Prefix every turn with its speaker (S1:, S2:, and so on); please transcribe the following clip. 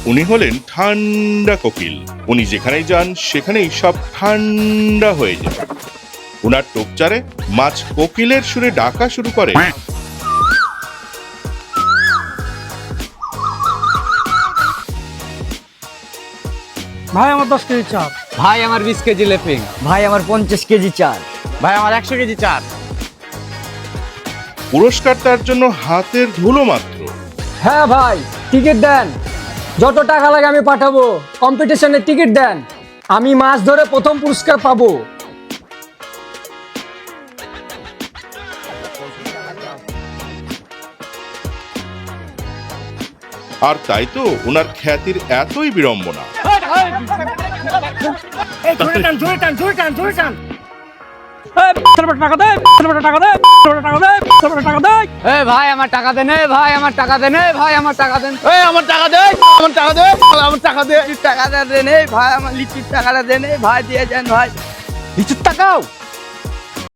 S1: উনি হলেন ঠান্ডা কোকিল। উনি যেখানেই যান সেখানেই সব ঠান্ডা হয়ে যায়। উনার টোপচারে মাছ কোকিলের সুরে ডাকা শুরু করে।
S2: ভাই আমার 10 কেজি চাল।
S3: ভাই আমার 20 কেজি লেপিং।
S4: ভাই আমার 50 কেজি চাল।
S3: ভাই আমার 100 কেজি চাল।
S1: পুরস্কার তার জন্য হাতের ধুলো মাত্র।
S2: হ্যাঁ ভাই, টিকিট দেন, যত টাকা লাগে আমি পাঠাবো। কম্পিটিশনের টিকিট দেন, আমি মাছ ধরে প্রথম পুরস্কার পাবো।
S1: আর তাই তো ওনার খ্যাতির এতই বিড়ম্বনা।
S3: ভাই আমার টাকা দেন, ভাই আমার টাকা দেন, ভাই আমার টাকা দেন, আমার টাকা দেন, আমার টাকা দেন, আমার টাকা দেন, টাকাটা দেন, ভাই আমার লিচির টাকাটা দেন, ভাই দিয়ে যান ভাই। লিচুর টাকাও